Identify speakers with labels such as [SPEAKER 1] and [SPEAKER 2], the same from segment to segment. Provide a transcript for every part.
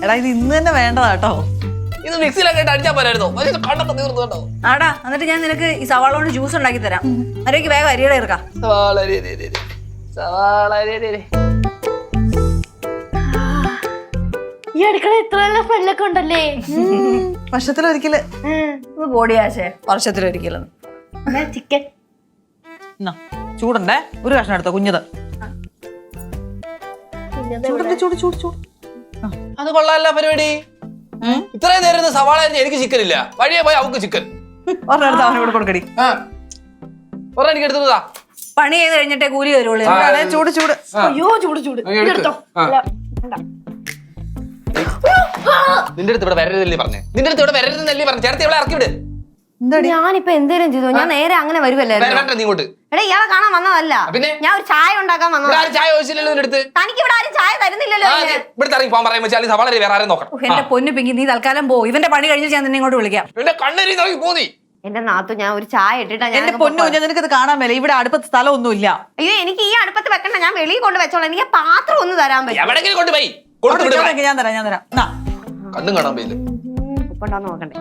[SPEAKER 1] എടാ ഇത് ഇന്ന് തന്നെ വേണ്ടതാ കേട്ടോ.
[SPEAKER 2] ഇത് മിക്സിയിലൊക്കെ അടിച്ചാൽ പോരായിരുന്നോ? കണ്ടൊക്കെ തീർന്നു കേട്ടോ.
[SPEAKER 3] ആടാ എന്നിട്ട് ഞാൻ നിനക്ക് ഈ സവാള കൊണ്ട് ജ്യൂസ് ഉണ്ടാക്കി തരാം. അരയ്ക്ക് വേഗം അരിയുടെ ഇറക്കാം.
[SPEAKER 4] ഈ അടുക്കള ഇത്ര നല്ല സ്മെല്ലൊക്കെ ഉണ്ടല്ലേ.
[SPEAKER 1] വർഷത്തിലൊരിക്കല്
[SPEAKER 3] പൊടിയാശേ വർഷത്തിലൊരിക്കലും.
[SPEAKER 4] ചിക്കൻ
[SPEAKER 1] ചൂടുണ്ടേ, ഒരു കഷ്ണം എടുത്തോ കുഞ്ഞത്. ചൂട് ചൂട് ചൂട്.
[SPEAKER 2] അത് കൊള്ളാല്ല പരിപാടി. ഇത്രയും നേരം സവാള എനിക്ക് ചിക്കൻ ഇല്ല, വഴിയെ പോയി അവക്ക് ചിക്കൻ.
[SPEAKER 1] ഒരെടുത്ത് അവനോട് കൊടുക്കടി.
[SPEAKER 2] എനിക്ക് എടുത്തതാ.
[SPEAKER 3] പണി ചെയ്ത് കഴിഞ്ഞിട്ടേ കൂലി വരുള്ളൂ.
[SPEAKER 1] ചൂട് ചൂട്.
[SPEAKER 4] അയ്യോ ചൂട് ചൂട്.
[SPEAKER 2] നിന്റെ അടുത്ത് ഇവിടെ വരരുതല്ലേ പറഞ്ഞേ? നിന്റെ അടുത്ത് ഇവിടെ വരരുതെന്നല്ലേ പറഞ്ഞു? ചേർത്ത് ഇവിടെ ഇറക്കി വിട്.
[SPEAKER 4] ഞാനിപ്പോ എന്തേലും ചെയ്തു? ഞാൻ നേരെ അങ്ങനെ വരുമല്ലായിരുന്നു.
[SPEAKER 2] നീ ഇങ്ങോട്ട്.
[SPEAKER 4] എടാ ഇയാളെ കാണാൻ വന്നതല്ല,
[SPEAKER 2] പിന്നെ
[SPEAKER 4] ഞാൻ ഒരു ചായ ഉണ്ടാക്കാൻ വന്നതാ.
[SPEAKER 2] ചായ ചോദിച്ചില്ലല്ലോ നിന്റെ അടുത്ത്.
[SPEAKER 4] തനിക്ക് ഇവിടെ ആരും ചായ തരുന്നില്ലല്ലോ.
[SPEAKER 2] ഇവിടെ ഇറങ്ങി പോകാൻ പറയാൻ വെച്ചാൽ സവാള വേറെ ആരും നോക്കണം.
[SPEAKER 3] എന്റെ പൊന്നു പിങ്കി, നീ തൽക്കാലം പോ. ഇവന്റെ പണി കഴിഞ്ഞ് ഞാൻ നിന്നെ ഇങ്ങോട്ട് വിളിക്കാം.
[SPEAKER 2] എന്റെ കണ്ണരി നോക്കി പോന്നി.
[SPEAKER 4] എന്റെ നാത്തു ഞാൻ ഒരു ചായ ഇട്ടിട്ടാ.
[SPEAKER 1] എന്റെ പൊന്നു കുഞ്ഞാ, നിനക്കത് കാണാൻ മേലെ. ഇവിടെ അടുപ്പത്ത് സ്ഥലമൊന്നുമില്ല.
[SPEAKER 4] അയ്യോ എനിക്ക് ഈ അടുപ്പത്ത് വെക്കണ്ട, ഞാൻ വെളിയിൽ കൊണ്ട് വെച്ചോളാം. എനിക്ക് പാത്രം ഒന്ന് തരാൻ പറ്റും.
[SPEAKER 2] എവിടെങ്കിലും കൊണ്ടുപോയി
[SPEAKER 1] ഞാൻ തരാം ഞാൻ തരാം.
[SPEAKER 2] കണ്ണും കാണാൻ പോയില്ല.
[SPEAKER 4] ഉപ്പുണ്ടാന്ന് നോക്കണ്ടേ?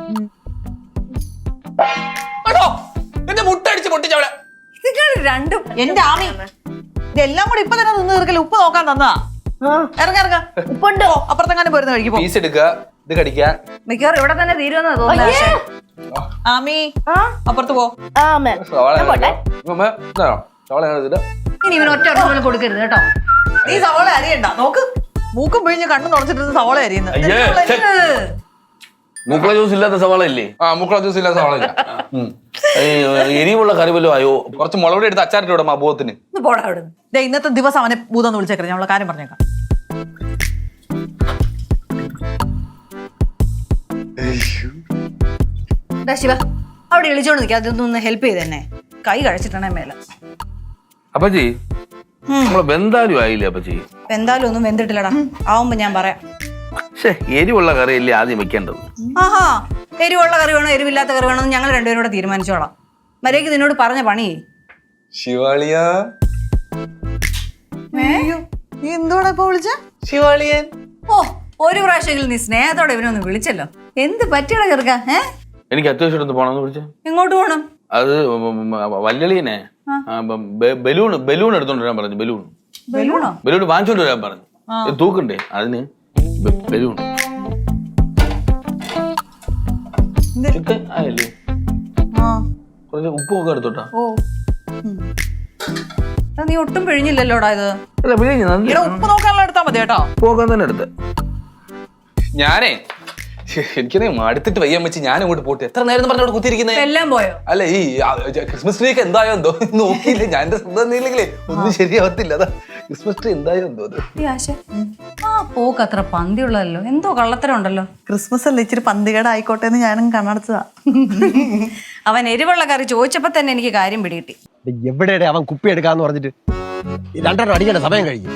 [SPEAKER 2] എന്റെ മുട്ടടിച്ച് പൊട്ടിച്ചവിടെ.
[SPEAKER 3] രണ്ടും
[SPEAKER 1] എന്റെ ആമി ഇതെല്ലാം കൂടി ഇപ്പൊ തന്നെ നിന്ന് തീർക്കല്. ഉപ്പ് നോക്കാൻ തന്നതാ. ഇറങ്ങ
[SPEAKER 4] ഉപ്പുണ്ടോ?
[SPEAKER 1] അപ്പുറത്തെങ്ങാനും പോരുന്ന കഴിക്കും.
[SPEAKER 2] പീസ് എടുക്കുക, ഇത് കടിക്കുക.
[SPEAKER 3] മിക്കവാറും ഇവിടെ തന്നെ തീരുമെന്നാ തോന്നുന്നത്.
[SPEAKER 1] ആമി അപ്പുറത്ത് പോ.
[SPEAKER 3] ഇനി ഇവന് ഒറ്റ പോലും കൊടുക്കരുത് കേട്ടോ.
[SPEAKER 1] നീ സവാള അരിയണ്ട. നോക്ക്, മൂക്കും പിഴിഞ്ഞ് കണ്ണു തുറച്ചിട്ട് സവാള അരിയുന്നത്.
[SPEAKER 5] മൂക്കള ജ്യൂസ് ഇല്ലാത്ത സവാള ഇല്ലേ?
[SPEAKER 2] മുക്കള ജ്യൂസ് ഇല്ലാത്ത സവാള ഇല്ല.
[SPEAKER 5] എരിവുള്ള കറി വല്ലതും ആയോ?
[SPEAKER 2] കുറച്ച് മുളക് എടുത്ത് അച്ചാറിട്ട് വിടാം അബോധത്തിന്.
[SPEAKER 3] പോടാ അവിടെ.
[SPEAKER 1] ഇന്നത്തെ ദിവസം അവനെ ഭൂതം വിളിച്ചേക്കരുത്. ഞമ്മളെ കാര്യം പറഞ്ഞേക്കാം.
[SPEAKER 3] ശിവ അവിടെ വിളിച്ചോണ്ട് നിൽക്കുക. അതൊന്ന് ഹെൽപ്പ് ചെയ്ത് തന്നെ. കൈ കഴിച്ചിട്ടാണേ മേലെ.
[SPEAKER 5] അപ്പച്ചി നമ്മളെ ബന്ധാലും ആയില്ലേ അപ്പച്ചി?
[SPEAKER 3] എന്തായാലും ഒന്നും വെന്തിട്ടില്ലടാ. ആവുമ്പോ ഞാൻ പറയാം.
[SPEAKER 5] എരിവുള്ള കറിയല്ലേ ആദ്യം വെക്കേണ്ടത്.
[SPEAKER 3] ആഹാ, എരിവുള്ള കറി വേണോ എരിവില്ലാത്ത കറി വേണോ ഞങ്ങൾ രണ്ടുപേരും കൂടെ തീരുമാനിച്ചോളാം. മര്യാദയ്ക്ക് നിന്നോട് പറഞ്ഞ പണി.
[SPEAKER 2] ശിവാളിയാ,
[SPEAKER 1] നീ എന്തുവാടാ ഇപ്പൊ വിളിച്ച?
[SPEAKER 2] ശിവാളിയൻ.
[SPEAKER 3] ഓ, ഒരു പ്രാവശ്യമെങ്കിലും നീ സ്നേഹത്തോടെ ഇവനൊന്ന് വിളിച്ചല്ലോ. എന്ത് പറ്റിയടാ ചെറുക്ക?
[SPEAKER 5] എനിക്ക് അത്യാവശ്യം പോണെന്ന് വിളിച്ച.
[SPEAKER 3] എങ്ങോട്ട് പോണം?
[SPEAKER 5] അത് വല്യളീനെ ബലൂൺ എടുത്തോണ്ട് വരാൻ പറഞ്ഞു. ബലൂൺ വാങ്ങിച്ചോണ്ട് വരാൻ പറഞ്ഞു. തൂക്കണ്ടേ അതിന്? ബലൂൺ ചിക്കൻ ആയല്ലേ? കുറച്ച് ഉപ്പൊക്കെ എടുത്തോട്ടാ.
[SPEAKER 3] നീ ഒട്ടും പിഴിഞ്ഞില്ലല്ലോടാ ഇത്.
[SPEAKER 1] ഉപ്പ് നോക്കാനുള്ള എടുത്താ മതി കേട്ടോ.
[SPEAKER 5] ഉപ്പൊക്കെ തന്നെ എടുത്ത്.
[SPEAKER 2] ഞാനേ എനിക്കതേ മടുത്തിട്ട് വയ്യാൻ വെച്ച് ഞാൻ അങ്ങോട്ട് പോട്ടെ. എത്ര നേരം പറഞ്ഞോട് കുത്തിയിരിക്കുന്നത്?
[SPEAKER 3] എല്ലാം പോയോ?
[SPEAKER 2] അല്ല ഈ ക്രിസ്മസ് ട്രീ ഒക്കെ എന്തായോ എന്തോ നോക്കിയില്ല. ഞാൻ എന്റെ സ്വന്തം ഇല്ലെങ്കിലേ ഒന്നും ശരിയാവത്തില്ല. അതാ ക്രിസ്മസ് ട്രീ എന്തായോ എന്തോ.
[SPEAKER 3] ആ പോക്ക് അത്ര പന്തിയുള്ളതല്ലോ. എന്തോ കള്ളത്തരം ഉണ്ടല്ലോ.
[SPEAKER 1] ക്രിസ്മസ് അല്ല, ഇച്ചിരി പന്തികേടായിക്കോട്ടെ എന്ന് ഞാനും കണ്ണടച്ചതാ.
[SPEAKER 3] അവൻ എരിവുള്ള കറി ചോദിച്ചപ്പോ തന്നെ എനിക്ക് കാര്യം പിടികിട്ടി.
[SPEAKER 6] എവിടെയാണ് അവൻ കുപ്പി എടുക്കാന്ന് പറഞ്ഞിട്ട് 2 അടിക്കേണ്ട സമയം കഴിഞ്ഞു.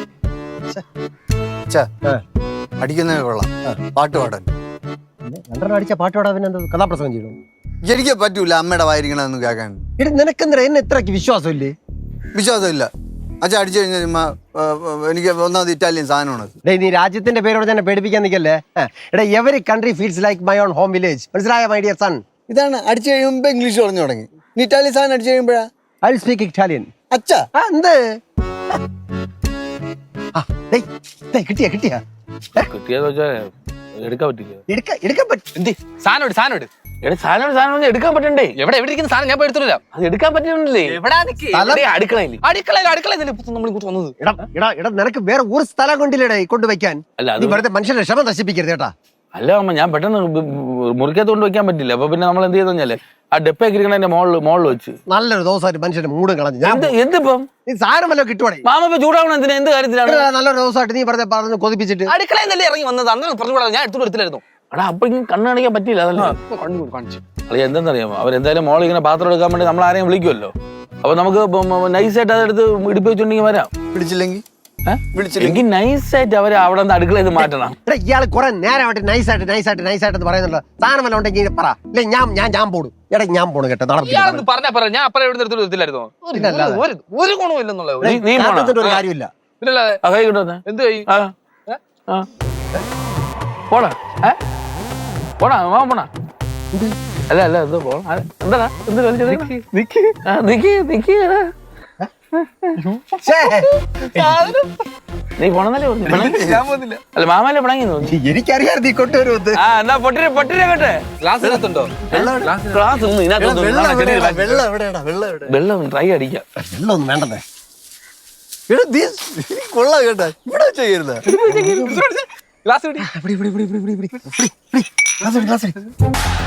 [SPEAKER 7] അടിക്കുന്നേ കൊള്ളാം. പാട്ട് പാടാൻ
[SPEAKER 6] 2 അടിച്ച പാട്ട് പാടാൻ പിന്നെ എന്താ കഥാപ്രസംഗം ചെയ്യണം?
[SPEAKER 7] എനിക്ക് പറ്റൂല അമ്മയുടെ വായിരിക്കണമെന്ന് കേൾക്കാൻ.
[SPEAKER 6] നിനക്കെന്താ എന്നെ ഇത്രക്ക് വിശ്വാസമില്ലേ?
[SPEAKER 7] വിശ്വാസമില്ല. അച്ഛൻ അടിച്ചു കഴിഞ്ഞാൽ എനിക്ക് ഒന്നാമത് ഇറ്റാലിയൻ സാധനമാണ്.
[SPEAKER 6] നീ രാജ്യത്തിന്റെ പേരോട് തന്നെ പേടിപ്പിക്കാൻ നിൽക്കല്ലേ. Every country feels like my own home village. മനസ്സിലായ മൈ ഡിയർ സൺ?
[SPEAKER 7] ഇതാണ് അടിച്ചു കഴിയുമ്പോ ഇംഗ്ലീഷ് പറഞ്ഞു തുടങ്ങി. നീ ഇറ്റാലിയൻ സാധനം അടിച്ചു കഴിയുമ്പോഴാ
[SPEAKER 6] ഐ വിൽ സ്പീക്ക് ഇറ്റാലിയൻ.
[SPEAKER 7] അച്ഛാ
[SPEAKER 6] എന്ത് കിട്ടിയാ
[SPEAKER 5] കിട്ടിയാന്ന് വെച്ചാ എടുക്കാൻ പറ്റില്ല.
[SPEAKER 6] എടുക്കാൻ പറ്റും.
[SPEAKER 2] എന്ത് സാധനം സാധനം
[SPEAKER 5] സാധനം എടുക്കാൻ പറ്റണ്ടേ?
[SPEAKER 2] എവിടെ ഇരിക്കുന്ന സാധനം ഞാൻ പോയി എടുത്തില്ല.
[SPEAKER 5] അത് എടുക്കാൻ പറ്റുന്നില്ലേ? അടുക്കളയിൽ
[SPEAKER 6] നിനക്ക് വേറെ ഒരു സ്ഥലം കൊണ്ടില്ലേടേ കൊണ്ടുവയ്ക്കാൻ. നീ വെറുതെ മനുഷ്യന്റെ ക്ഷമ നശിപ്പിക്കരുത് കേട്ടാ.
[SPEAKER 5] അല്ല അമ്മ, ഞാൻ പെട്ടെന്ന് മുറിക്കകത്ത് കൊണ്ട് വെക്കാൻ പറ്റില്ല. അപ്പൊ പിന്നെ നമ്മൾ എന്ത് ചെയ്തെന്നാല് ആ ഡെപ്പൊക്കെ ഇരിക്കണ മോളിൽ വെച്ച്
[SPEAKER 6] നല്ലൊരു ദിവസമായിട്ട് മനുഷ്യന്റെ മൂടും കളഞ്ഞു.
[SPEAKER 5] എന്തിപ്പം
[SPEAKER 6] നീ സാധനം വല്ലോ കിട്ടുവാണേ.
[SPEAKER 5] മാമ ഇപ്പൊ ചൂടാവണം എന്തിനാ? എന്ത് കാര്യത്തിലാണ്?
[SPEAKER 6] നല്ലൊരു ദിവസമായിട്ട് നീ പറഞ്ഞു കൊതിപ്പിച്ചിട്ട്
[SPEAKER 2] അടുക്കളയിൽ തന്നെ ഇറങ്ങി വന്നത്. അന്ന് പറഞ്ഞു ഞാൻ എടുത്തു എടുത്തില്ലായിരുന്നു.
[SPEAKER 5] എടാ അപ്പൊ ഇങ്ങനെ കണ്ണ് കാണിക്കാൻ പറ്റില്ല. അതല്ലേ
[SPEAKER 2] കാണിച്ചു.
[SPEAKER 5] അല്ല എന്തെന്നറിയാമോ, അവരെന്തായാലും മോളിൽ ഇങ്ങനെ പാത്രം എടുക്കാൻ വേണ്ടി നമ്മൾ ആരെയും വിളിക്കുമല്ലോ. അപ്പൊ നമുക്ക് നൈസായിട്ട് അതെടുത്ത് ഇടിപ്പ് വെച്ചിട്ടുണ്ടെങ്കിൽ വരാം.
[SPEAKER 7] പിടിച്ചില്ലെങ്കിൽ
[SPEAKER 5] എനിക്ക് നൈസായിട്ട് അവരെ അവിടെ നിന്ന് അടുക്കളയിൽ മാറ്റണം.
[SPEAKER 6] ഇയാള് കുറെ നേരമായിട്ട് നൈസായിട്ട് പറയുന്നുണ്ടോ? സാധനം വല്ല ഉണ്ടെങ്കിൽ പറ. ഇല്ല ഞാൻ പോടും. ഞാൻ പോണു കേട്ടോ.
[SPEAKER 2] പറഞ്ഞ ഞാൻ അപ്പഴ എവിടെ എടുത്തില്ലായിരുന്നോ? ഒരു ഗുണവും ഇല്ലെന്നുള്ളത്.
[SPEAKER 6] ഒരു കാര്യമില്ല.
[SPEAKER 2] എന്ത്
[SPEAKER 5] പോടാ പോടാ മാമ പോണാ അല്ല അല്ല ഇത് പോണം എന്താടാ എന്ത് നിക്ക് നീ പോണെന്നല്ലേ പറഞ്ഞു
[SPEAKER 2] ഞാൻ പോകുന്നില്ല.
[SPEAKER 5] അല്ല മാമല്ലേ പിണങ്ങി തോന്നി
[SPEAKER 6] എനിക്കറിയാം നീ കൊണ്ടുവരുന്നത്
[SPEAKER 5] ആ എന്നാ പൊട്ടിരെ കേട്ടെ
[SPEAKER 2] ഗ്ലാസ് ഇതിനകത്തുണ്ടോ?
[SPEAKER 5] ക്ലാസ് ഒന്നും ഇതിനകത്തൊന്നും
[SPEAKER 6] വെള്ളം എവിടെയാടാ വെള്ളം എവിടെ
[SPEAKER 5] വെള്ളം ട്രൈ അടിക്കാം
[SPEAKER 6] വെള്ളം ഒന്നും വേണ്ടേ
[SPEAKER 7] കൊള്ളാം കേട്ടാ ഇവിടെ ചെയ്യരുത്
[SPEAKER 2] ഗ്ലാസ് പിടി.
[SPEAKER 6] Glass glass